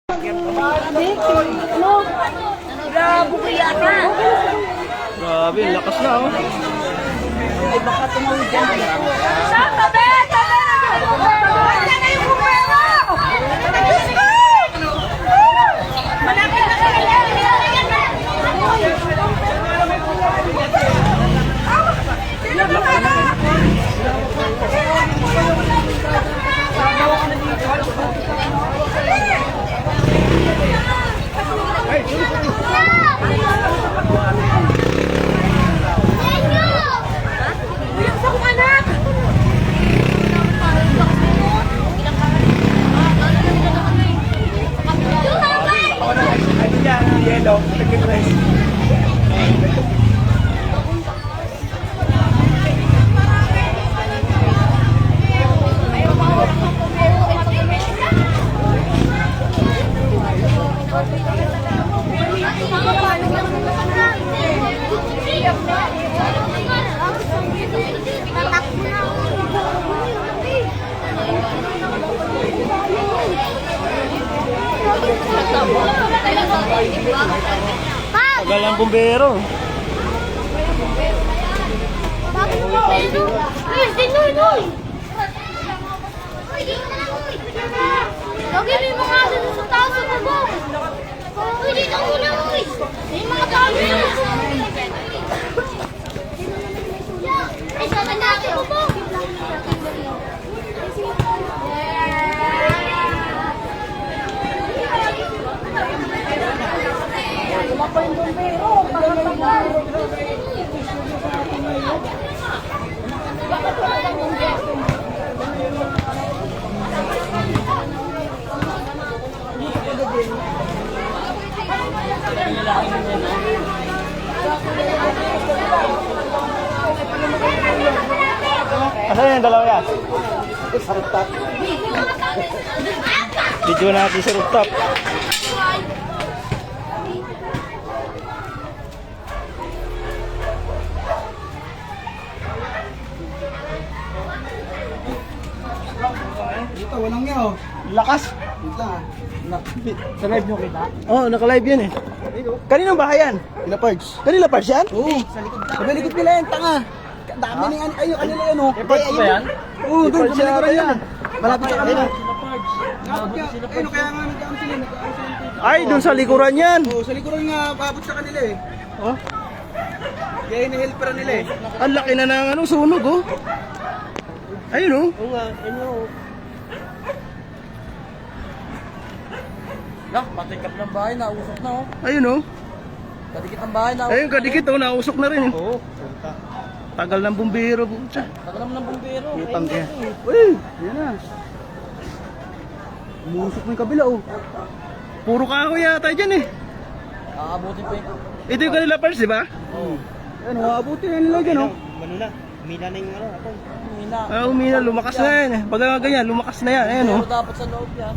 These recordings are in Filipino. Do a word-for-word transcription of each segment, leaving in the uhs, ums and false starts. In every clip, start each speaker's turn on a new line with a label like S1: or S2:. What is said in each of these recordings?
S1: Ano? Bravo kaya ka.
S2: Grabe, ang lakas na oh.
S1: Ay baka tumawid yan. Sa tabi! Tabi! Tabi na yung kupero! Malapit na kaya!
S2: Yellow, second place. Tagal ang bumbero.
S3: Bakit mo ba ito? Yes, dinoy, noy! Lagi may mga dito sa taas sa bubong. Uy, dito muna, uy! May mga dami na. Ay, saan na natin bubong?
S1: Wala pa yung bombero. Pagkatagal.
S3: Bakit wala lang bumbero?
S2: Asan yung dalawa yan? Sa rooftop. Video natin sa rooftop.
S4: Ito, walang nga oh.
S2: Lakas.
S4: Wait lang ah.
S2: Sa live nyo kita? Oo, oh, naka-live yan eh. Kaninong bahay yan?
S4: Pina Pards.
S2: Kanila parts yan?
S4: Oo. Sabi likod nila yan, tanga. Dami ni ano, ayun, kanila yan oh.
S2: Parts ba yan?
S4: Oo, doon,
S2: Parts
S4: sa
S2: yata
S4: likuran
S2: yan.
S4: yan. Malapit sa kanila.
S2: Ayun.
S4: Kapag ka, ayun, kaya nga nag-aam sila, nag-aam sila.
S2: Ay, dun sa likuran yan.
S4: Oo, sa likuran nga, paabot sa kanila eh.
S2: Oh,
S4: Kaya ini-helperan nila eh.
S2: ang laki na ng ano, sunog oh. Ayun oh.
S4: Oo nga, ayun oh.
S5: Lah, patikap ng bahay, nausok na oh.
S2: Ayun oh.
S5: Kadikit ng bahay, nausok.
S2: Ayun, kadikit oh, nausok na rin eh.
S5: Oo.
S2: Tagal ng bumbero po. Tsa.
S5: Tagal naman ng bumbero.
S2: Utang
S5: Ayun,
S2: yan.
S5: eh.
S4: Uy, yan na. Umusok mo yung kabila oh.
S2: Puro kahoy yata dyan eh.
S5: Aabutin pa yung...
S2: Ito yung kanila parts, di ba?
S5: Oo.
S4: Ayun, maabutin yan nila dyan oh.
S5: Mano na, mina na yung ano, ako. Mina.
S2: Ah, umina, lumakas na yan eh. Baga ganyan, lumakas na yan. Ayun oh.
S5: Pero dapat sa loob yan.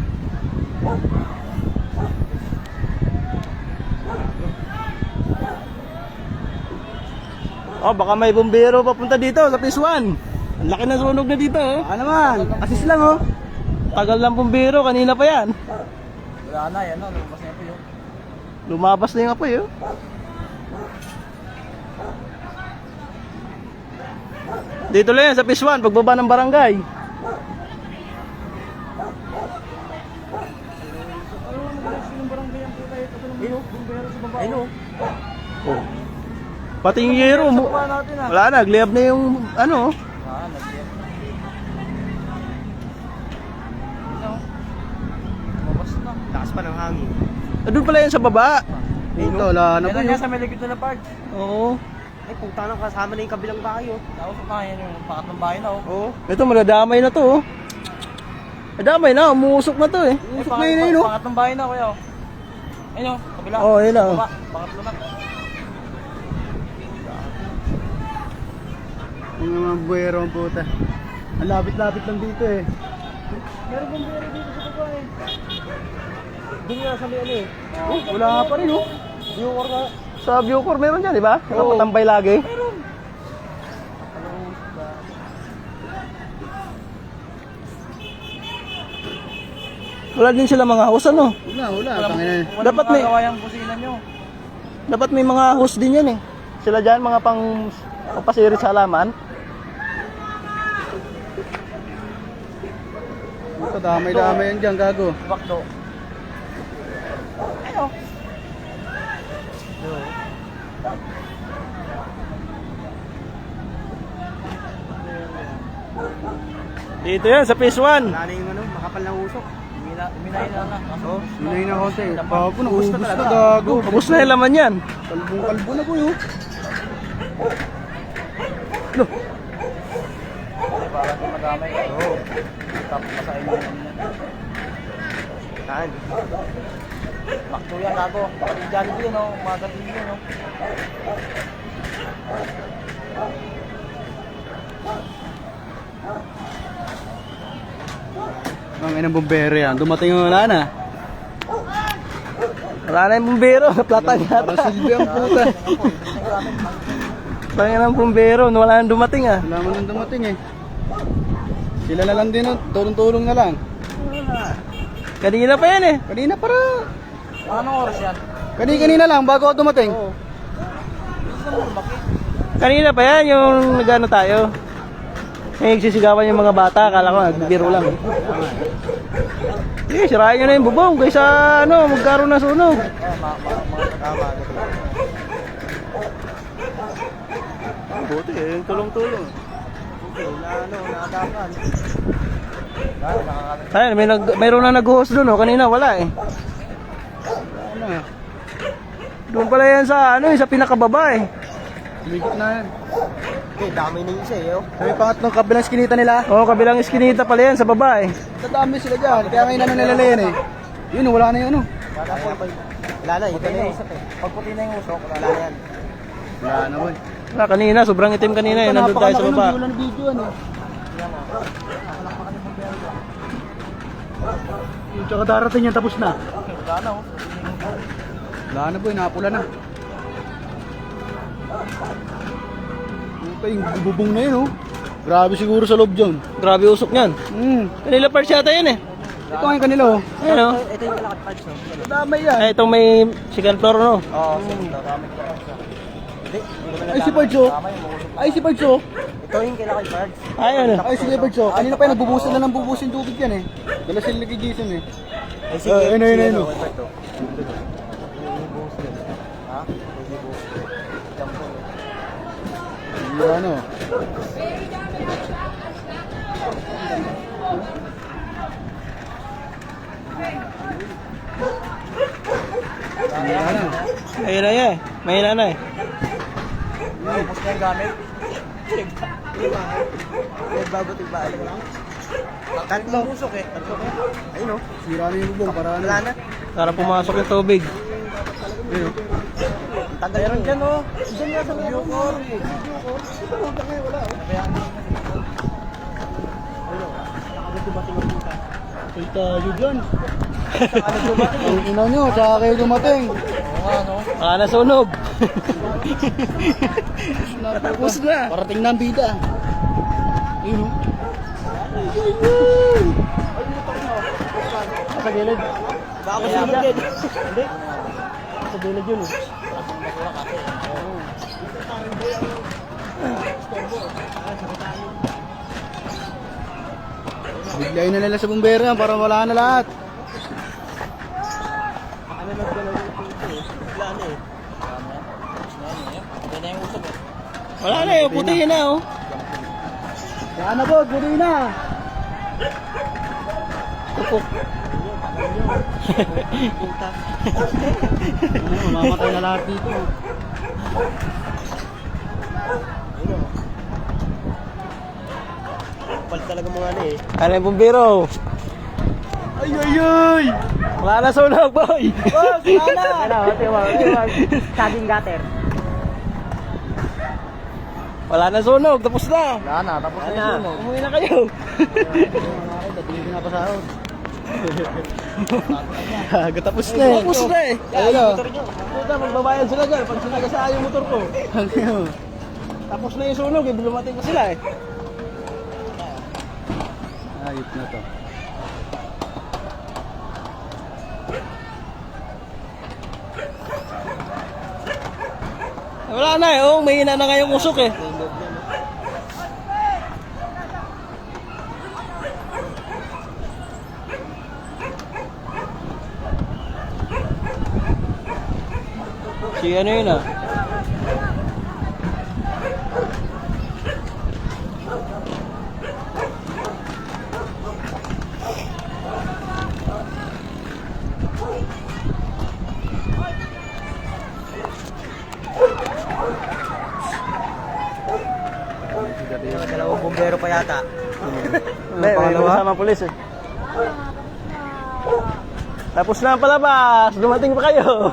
S2: Oh, baka may bumbero papunta dito sa Phase one. Ang laki na sunog na dito oh.
S4: Ah naman, assist lang oh.
S2: Tagal ng bumbero, kanina pa yan.
S5: Wala na, yan o. Lumabas na po yun.
S2: Lumabas na yung apoy oh. Dito lang yan sa Phase one, pagbaba ng barangay.
S5: Ayun o.
S2: Oh. Pati yung yero mo.
S5: Baba natin ah.
S2: Wala na, nagliyab na yung ano.
S5: Ah, nag-iyak. Ano? Lumabas na. Lakas pa ng hangin.
S2: Ah, doon pala yan sa baba. Dito, wala na
S5: Yan
S2: po
S5: na
S2: yun.
S5: niya sa may likod na park.
S2: Oo.
S5: Ay, punta nang kasama na yung kabilang bahay oh. Nausok na yan yung pangatlong bahay na oh.
S2: Oo. Ito, madadamay na to oh. Madamay na, umuusok na to eh.
S5: Eh,
S2: Usok na yun eh no.
S5: pangatlong bahay na kuya oh. Ayun oh, kabila.
S2: Oo, yun na oh.
S5: Baba, pangatlo na.
S4: Yung mga buwero ang puta. Ang lapit-lapit lang dito eh.
S5: Meron bang buwero dito sa baba eh? Doon nga sa may ano eh.
S2: Oh, wala pa rin oh.
S5: Yung orga.
S2: Sa Bucor meron dyan, di ba?
S5: Oo.
S2: Nakapatambay lagi.
S5: Meron.
S2: Wala din sila mga host ano.
S4: Wala, wala. Tangina.
S2: Dapat may
S5: Gawa yung kusina nyo.
S2: dapat may mga host din yan eh. Sila diyan mga pang papasirit sa halaman.
S4: Ito, damay-damay yan dyan, gago.
S5: Bakto. Ano?
S2: Dito yan sa phase one.
S4: Wala na yung ano, makapal na usok.
S5: Minayin na na.
S4: Oh, minayin na konti. Gago, naubos na gago.
S2: Ubus na yung laman yan.
S4: Kalbong-kalbo na ko yun.
S5: Para di madamay. Oo. Tapos masahin mo yan.
S4: Saan?
S5: Bakto yan, gago. Baka di Jollibee yun, no? Umaga din yun, no?
S4: Ang inang bombero yan. Dumating yung wala na.
S2: Wala na yung bumbero. Platang
S4: Parang
S2: yata.
S4: silbi ang puta.
S2: Parang ng bumbero. Wala nang dumating ah.
S4: Wala mo nang dumating eh. Sila na lang din, oh. Tulong-tulong na lang.
S2: Kanina pa yan eh.
S4: Kanina para.
S5: Anong oras yan?
S4: Kanina-kanina lang bago ako dumating.
S2: Kanina pa yan yung nagano tayo. May nagsisigawan yung mga bata. Akala ko nagbiro lang. Eh, sirain nyo na yung bubong. Kaysa ano, magkaroon na sunog. Buti eh, yung tulong-tulong.
S5: Ano, nakadapan.
S2: Ayun, may nag, mayroon na nag-host doon oh. Kanina wala eh.
S4: Ano?
S2: Doon pala yan sa ano, eh, sa pinakababa eh.
S4: Lumikot na yan.
S5: Eh, dami na yung isa, eh, oh.
S4: Sabi pangatlong kabilang skinita nila.
S2: Oh, kabilang iskinita pala yan sa baba eh.
S4: Dadami sila dyan. Kaya ngayon ano nila yan eh. Yun, wala na yung ano.
S5: Wala na, wala na, ito na yung isa, eh. Pag puti na yung usok, wala na yan.
S4: Wala na boy.
S2: Ah, kanina, sobrang itim kanina eh. Nandun tayo sa baba.
S4: Wala na video ano. Yung tsaka darating yan tapos na.
S5: Wala na, oh.
S4: Wala na boy, napula na. Puta, yung bubong na yun oh. Grabe siguro sa loob dyan.
S2: Grabe usok niyan.
S4: Hmm.
S2: Kanila parts yata yan eh.
S4: Ito ngayon kanila oh.
S2: Ayun oh.
S5: Ito yung kalakad parts, no?
S4: Damay yan.
S2: Ay, itong may second floor no.
S5: Oo, sige, dami ko lang siya. Hindi, hindi ko na
S4: Ay si Parcho. Ay si Parcho.
S5: Ito yung kalakad parts.
S2: Ayun oh.
S4: Ay si Parcho. Kanina pa yung nagbubusan na ng bubusin tubig yan eh. Dala sila kay Jason eh.
S5: Ay,
S4: sige, Ah, ayun, ayun,
S5: sige,
S4: ayun,
S5: ano,
S4: oh.
S5: ito. Ha? Hindi po. Jump po.
S4: Yung ano. Yung ano.
S2: Ayun na yan. Mahina na eh.
S5: Tapos na yung gamit. Nagbago tigbaan lang. Tatlong usok eh. Tatlong eh. Ayun oh.
S4: Sira na yung bubong para ano.
S5: Wala na.
S2: Para pumasok yung tubig.
S4: Ayun.
S5: Tagal meron dyan oh. Dyan nga sa video ko.
S4: Ay tayo dyan. Ang ina nyo, tsaka kayo dumating.
S5: Oo nga no.
S2: Wala na sunog.
S4: Tapos na. Parating na ang bida. Ayun oh.
S2: Sa gilid.
S5: Baka sunog din.
S2: Hindi. Sa gilid yun eh.
S4: Biglayin na nila sa bumbero yan para wala na lahat.
S5: Wala na eh. Wala na yung usok eh.
S2: Wala na eh. Puti na oh.
S4: Yan na bod, buti na.
S2: Tupok.
S4: Ano, mamamatay na lahat dito.
S5: Palit talaga mga ano eh.
S2: Ano yung bumbiro?
S4: Ay ay ay.
S2: Wala na sunog boy.
S5: Boss, wala na!
S2: Ano, tiwag, tiwag.
S5: Saging gutter.
S2: Wala na sunog. Tapos na.
S5: Wala na, tapos na yung sunog.
S2: Umuwi na kayo.
S4: Hindi ko na pasahod.
S2: Gago tapos na eh. Tapos na eh.
S4: Ayun oh.
S2: Puta, magbabayad sila dyan. Pag sinagasaan yung motor ko.
S4: Ayun.
S2: Tapos na yung sunog eh. Bulumating ko sila eh.
S4: Ayop na to.
S2: Wala na eh, oh, may ina na nga yung usok eh. Si ano yun ah?
S5: Dalawang bumbero pa yata.
S2: May, may kasama pulis eh. Tapos na ang palabas, dumating pa kayo.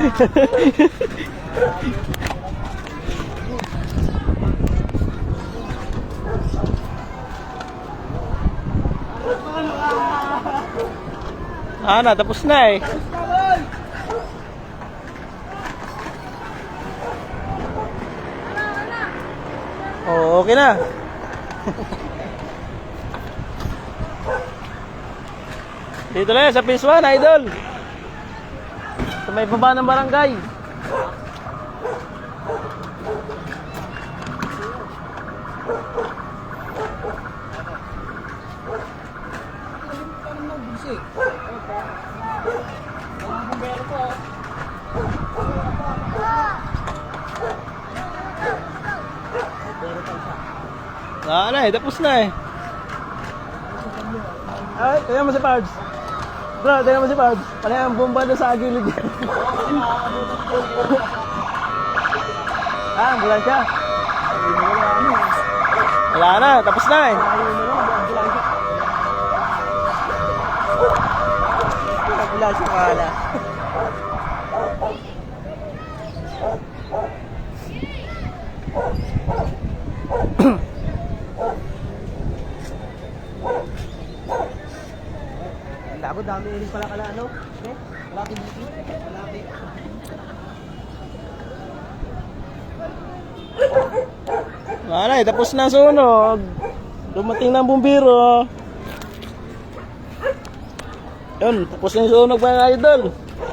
S2: Ah, na, tapos na eh. Oh, okay na. Dito lang sa Phase one, idol. Sa may baba ng barangay. Ah, na eh, tapos na eh. Ay, kaya mo si Pards. Bro, tingnan mo si Pards. Ano yung bomba doon sa gilid yan? Ah, ambulansya. Wala na, tapos na eh.
S5: Ambulansya ka na. Labo, dami rin pala kala ano? Eh? Malaki dito? Malaki.
S2: Wala eh, tapos na sunog. Dumating na ang bumbiro. Yun, tapos na yung sunog mga idol.